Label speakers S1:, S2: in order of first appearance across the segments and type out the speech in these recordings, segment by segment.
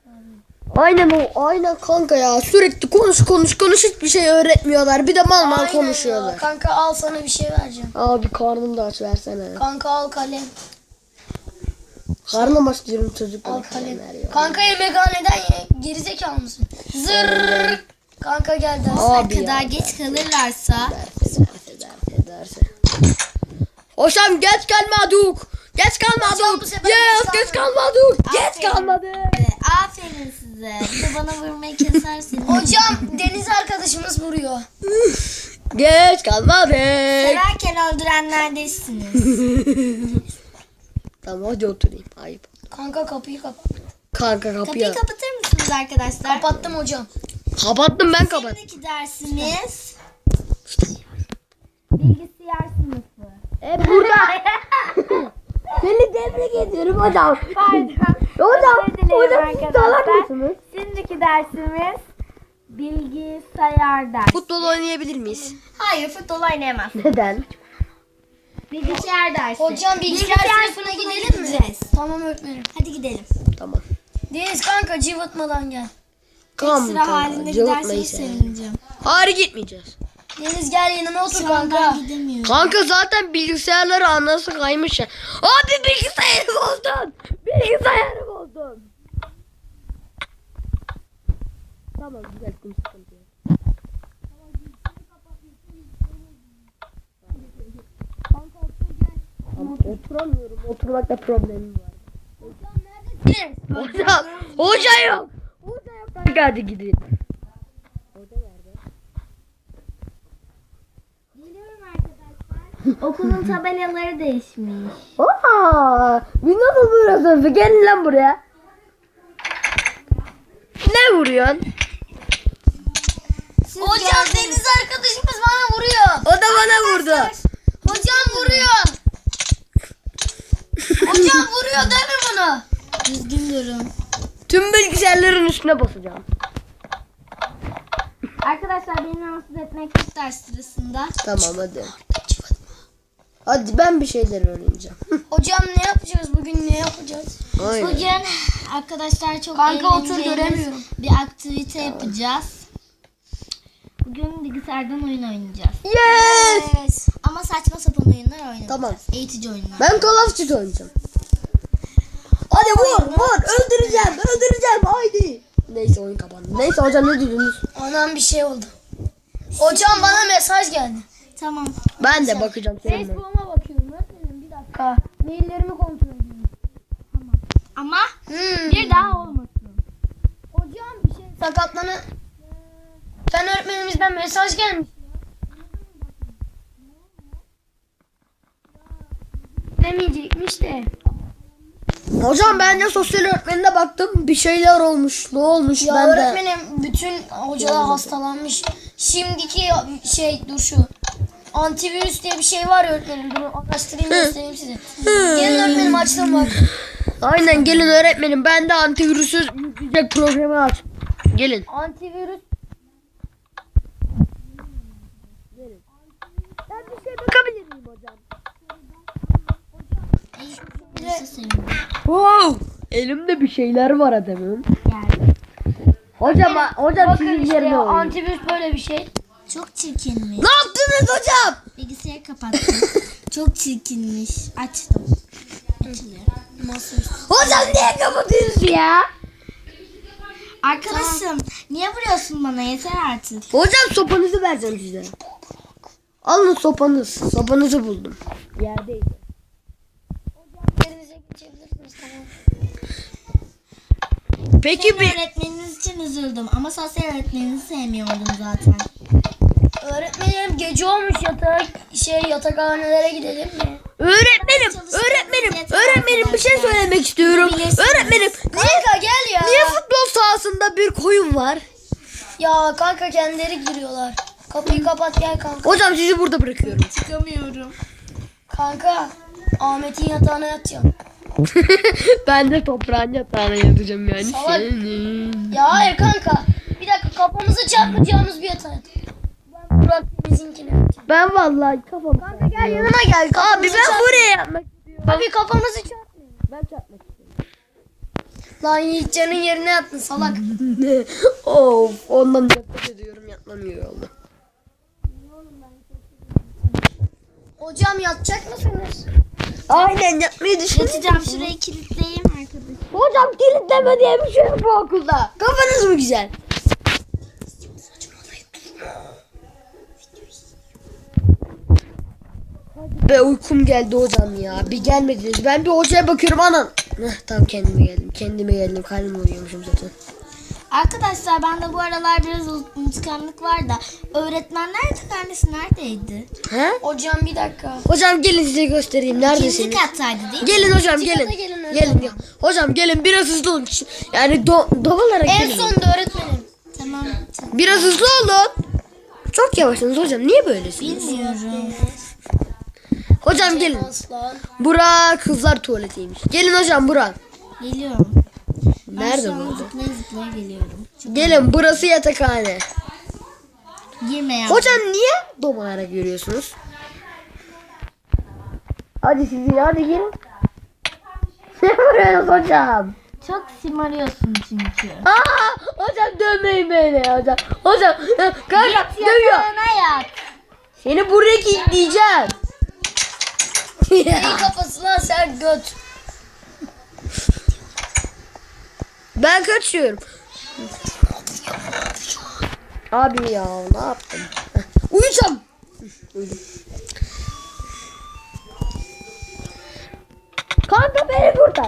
S1: Aynen kanka ya. Sürekli konuş hiçbir şey öğretmiyorlar. Bir de mal konuşuyorlar.
S2: Ya. Kanka al sana bir şey vereceğim.
S1: Abi karnım da aç versene.
S2: Kanka al kalem.
S1: Karnım aç diyorum çocuk.
S2: Al kalem. Kanka yemekhaneden gerizekalı mısın? Zırrrr. Kanka gel
S1: Abi
S3: kadar geç kalırlarsa.
S1: Derse. Hocam geç kalmadık. Geç kalmadık. Yes geç kalmadık. Geç kalmadık.
S3: Aferin size. Bir de bana vurmayı kesersiniz.
S2: Hocam Deniz arkadaşımız vuruyor.
S1: Geç kalmadık.
S3: Severken öldürenlerdesiniz.
S1: Tamam hadi oturayım. Ayıp.
S2: Kanka kapıyı kapat.
S1: Kanka kapıyı.
S3: Kapıyı kapatır mısınız arkadaşlar?
S2: Kapattım hocam.
S1: Kapattım ben kapattım.
S3: Şimdiki dersimiz bilgisayar sınıfı.
S1: Burada. Seni tebrik ediyorum hocam. Hocam siz salak mısınız?
S3: Şimdiki dersimiz bilgisayar dersi.
S1: Futbol oynayabilir miyiz?
S3: Hayır, futbol oynayamaz.
S1: Neden?
S3: Bilgisayar dersi.
S2: Hocam bilgisayar sınıfına gidelim mi?
S3: gideceğiz.
S2: Tamam öğretmenim.
S3: Hadi gidelim.
S1: Tamam.
S2: Deniz kanka cıvıtmadan gel.
S3: Sıra halinde giderseniz sevineceğim.
S1: Hayır gitmeyeceğiz.
S2: Deniz gel yanıma otur
S3: Şu an
S2: kanka.
S3: ben gidemiyorum.
S1: Kanka zaten bilgisayarları anası kaymış ya. Abi bilgisayarı bozdun. Bilgisayarı bozdun. Tamam güzel sıkıntı yok. Ama oturamıyorum. Oturmakta problemim var. Hocam. Hoca yok. Hoca yok. Kanka hadi gidin.
S3: Geliyorum arkadaşlar. Okulun tabelaları değişmiş.
S1: Aa, biz nasıl vuruyorsun? Gelin lan buraya. Ne vuruyorsun?
S2: Hocam Deniz arkadaşımız bana vuruyor.
S1: O da bana vurdu.
S2: Hocam vuruyor. Hocam vuruyor değil mi bunu?
S3: Düzgün durun.
S1: Tüm bilgisayarların üstüne basacağım.
S3: Arkadaşlar beni rahatsız etmek yok ders sırasında.
S1: Tamam hadi. Hadi ben bir şeyler öğreneceğim.
S2: Hocam ne yapacağız bugün, ne yapacağız?
S1: Aynen.
S3: Bugün arkadaşlar çok
S2: Kanka otur,
S3: eğleneceğiniz
S2: göremiyorum.
S3: bir aktivite yapacağız. Bugün bilgisayardan oyun oynayacağız.
S1: Yes.
S3: Ama saçma sapan oyunlar oynayacağız.
S1: Tamam.
S3: Eğitici oyunlar.
S1: Ben Call of Duty oynayacağım. Hadi vur. Öldüreceğim. Haydi. Neyse oyun kapandı. Neyse hocam ne diyorsunuz?
S2: Anam bir şey oldu. Hocam bana mesaj geldi.
S3: Tamam.
S1: Ben de bakacağım seninle.
S2: Facebook'uma bakıyorum öğretmenim, bir dakika. Maillerimi kontrol ediyorum.
S3: Ama bir daha olmasın.
S2: Hocam bir şey sakatlanı. Fen öğretmenimizden mesaj gelmiş. Demeyecekmiş de.
S1: Hocam ben de sosyal öğretmenine baktım. Bir şeyler olmuş. Ne olmuş
S2: Ya
S1: ben de.
S2: öğretmenim bütün hocalar hastalanmış. Şimdiki dur şu. Antivirüs diye bir şey var ya öğretmenim. Bunu araştırayım göstereyim size. Gelin öğretmenim açtım bak.
S1: Aynen gelin öğretmenim. Ben de antivirüsüz yükleyecek programı aç. Gelin.
S2: Antivirüs.
S1: Ben bir şey bakabilir miyim hocam? Wow. Elimde bir şeyler var adamım.
S3: Geldi.
S1: Hocam
S2: Bakın
S1: sizin
S2: işte
S1: yerine oynuyor.
S2: antivirüs böyle bir şey.
S3: Çok çirkinmiş.
S1: Ne yaptınız hocam?
S3: Bilgisayarı kapattım. Çok çirkinmiş. Açtım. Açılıyor.
S1: Hocam niye kapatıyorsun ya?
S3: Arkadaşım niye vuruyorsun bana? Yeter artık.
S1: Hocam sopanızı vereceğim size. Alın sopanız. Sopanızı buldum. Yerdeydi.
S2: Yerinize geçebilirsiniz, tamam.
S1: Peki
S3: Öğretmeniniz için üzüldüm ama sosyal öğretmeninizi sevmiyordum zaten.
S2: Öğretmenim gece olmuş, yatakhanelere gidelim mi?
S1: Öğretmenim bir şey söylemek istiyorum. Öğretmenim
S2: Kanka gel ya.
S1: niye futbol sahasında bir koyun var?
S2: Ya kanka kendileri giriyorlar. Kapıyı kapat gel kanka.
S1: Hocam sizi burada bırakıyorum.
S3: Çıkamıyorum.
S2: Kanka Ahmet'in yatağına yatacağım.
S1: Ben de toprağın yatağına yatacağım yani.
S2: Salak. Ya hayır kanka. Bir dakika, kafamızı çarpacağımız bir yatağa yatalım. Ben Burak bizimkine yatacağım.
S1: Ben vallahi kafam.
S2: Kanka gel yanıma gel.
S1: Abi ben buraya yatmak istiyorum.
S2: Abi kafamızı çarpmayalım.
S1: Ben çarpmak istiyorum.
S2: Lan Yiğitcan'ın yerine yattın salak.
S1: Of, ondan nefret ediyorum, yatmamıyor oldu.
S2: Hocam yatacak mısınız?
S1: Aynen, yatmayı düşünüyorum.
S3: Yatacağım, şurayı kilitleyeyim arkadaşlar.
S1: Hocam kilitleme diye bir şey yok bu okulda. Kafanız mı güzel? Be uykum geldi hocam ya. Bir gelmediniz. Ben bir hocaya bakıyorum anan. Tamam kendime geldim. Kalbim uyuyormuşum zaten.
S3: Arkadaşlar bende bu aralar biraz unutkanlık var da öğretmenler yatakhanesi neredeydi?
S1: He?
S2: Hocam bir dakika.
S1: Hocam gelin size göstereyim.
S3: İkinci
S1: Neredesiniz?
S3: kattaydı değil mi?
S1: Gelin hocam
S2: İkinci
S1: gelin.
S2: kata gelin hocam.
S1: Gelin. Hocam gelin biraz hızlı olun. Yani dolarak
S2: En
S1: gelin.
S2: sonunda öğretmenim.
S3: Tamam.
S1: Biraz hızlı olun. Çok yavaşsınız hocam. Niye böylesiniz?
S3: Bilmiyorum.
S1: Hocam gelin.
S2: Aslan.
S1: Bura kızlar tuvaletiymiş. Gelin hocam bura.
S3: Geliyorum.
S1: Nerede
S3: Ben şu an
S1: bu?
S3: zıplaya zıplaya geliyorum.
S1: Gelin burası yatakhane.
S3: Girme ya.
S1: Hocam niye domalarak yürüyorsunuz? Hadi sizi hadi gelin. Ne vuruyorsunuz hocam?
S3: Çok simarıyorsun çünkü.
S1: Aa, hocam dövmeyin beni hocam. Hocam kanka dövüyor.
S3: Yatağına yat.
S1: Seni buraya kilitleyeceğim.
S2: Neyin kafasına sen göt.
S1: Ben kaçıyorum. Abi ya ne yaptım? Uyuyacağım. Uyudum. Kanka beni buradan.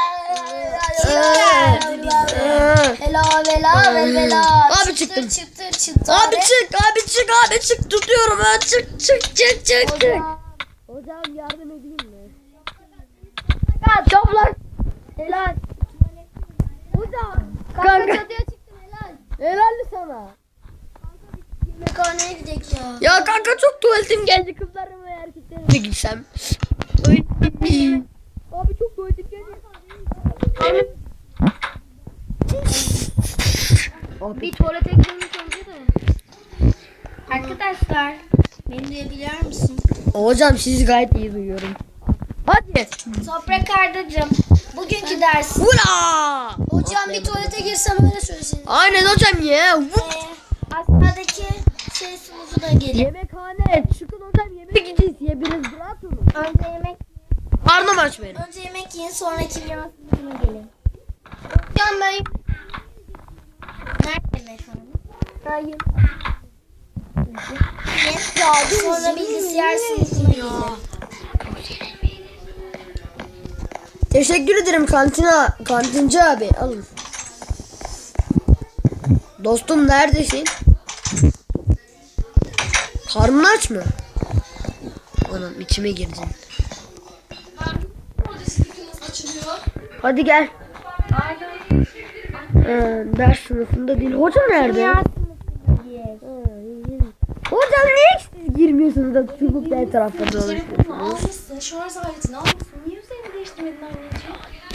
S2: Vela vela vela.
S1: Abi çıktım.
S2: Çıktı.
S1: Abi çık tutuyorum ha çık. Hocam yardım edeyim mi? Toplar.
S2: Helal.
S1: Hocam.
S2: Kanka
S1: Kanka.
S2: çatıya çıktım helal.
S1: Helal sana.
S2: Yemekhaneye gidecek ya.
S1: Ya kanka çok tuvaletim geldi kızlarım ve erkeklerim de gitsem. Abi çok tuvaletim geldi.
S2: Bir tuvalete girmiş oldu da.
S3: Arkadaşlar beni duyabiliyor musun?
S1: Hocam sizi gayet iyi duyuyorum. Hadi.
S3: Toprak Ardacığım. Bugünkü ders.
S1: Ula!
S2: Hocam bir tuvalete girsem öyle söylesin.
S1: Aynen hocam ya.
S3: Aşağıdaki şey sunucu da gelin.
S1: Yemekhane. Çıkın hocam yemek yiyeceğiz. Ya biraz rahat olun.
S3: Önce yemek
S1: Karnım aç benim.
S3: önce yemek yiyin, sonra kimya sunucuna gelin.
S2: Hocam ben
S3: Nerede yemek hanım?
S2: Hayır.
S3: Sonra bilgisayar sınıfına gelin.
S1: Teşekkür ederim kantinci abi. Alın. Dostum neredesin? Karnın aç mı? Anam içime girdin. Hadi gel. Ders sınıfında değil. Hoca nerede?
S3: Kimya sınıfına gir.
S1: Hocam niye siz girmiyorsunuz da çubukla etrafta dolaşıyorsunuz?
S4: Almışsın, şarj aletini almışsın. Niye üzerini değiştirmedin anneciğim?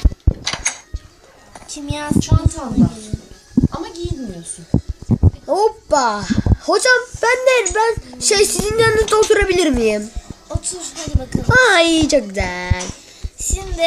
S3: Kimya
S4: Çantanda.
S3: sınıfına gelin.
S4: Ama giyinmiyorsun.
S1: Hoppa. Hocam ben sizin yanınızda oturabilir miyim?
S3: Otur hadi bakalım.
S1: Ay çok güzel.
S3: Şimdi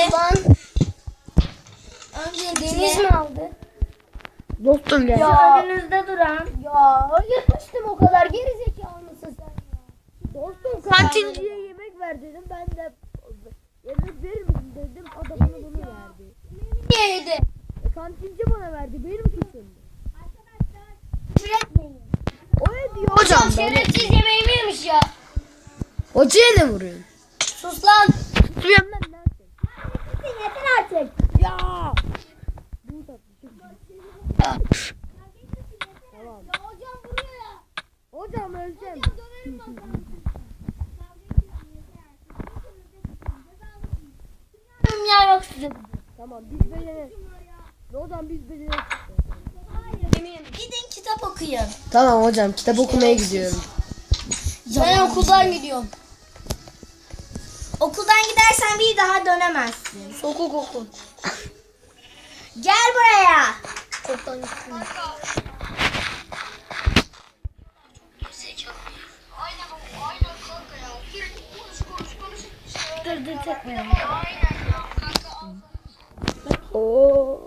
S3: öncelikle
S2: Deniz mi aldı?
S1: Dostum gel.
S2: Ya.
S3: önünüzde duran
S2: Ya yırtmıştım o kadar gerizekalı mısın sen?
S1: Dostum kantinciye yemek ver dedim. Ben de yemek verir misin dedim. O da bana bunu verdi.
S2: Niye yedi?
S1: Kantinci bana verdi. Benim suçum.
S2: Küfür etmeyin.
S1: O ne diyor
S2: Hocam
S1: hocam?
S2: şerefsiz yemeğimi yemiş ya.
S1: Hocaya ne vuruyorsun?
S2: Sus lan.
S1: Tutuyorum lan.
S2: Yeter artık.
S1: Ya. Tamam.
S2: Hocam vuruyor ya.
S1: Hocam öleceğim.
S2: Döverim bakalım.
S3: kimya yok sizin.
S1: Tamam biz beceririz. Hocam biz beceririz.
S3: Gidin kitap okuyun.
S1: Tamam hocam kitap okumaya gidiyorum.
S2: Ben okuldan gidiyorum.
S3: Okuldan gidersen bir daha dönemezsin.
S2: Sokuk okul.
S3: Gel buraya.
S2: Okuldan gittim.
S3: Dur tekrar.
S1: Oo.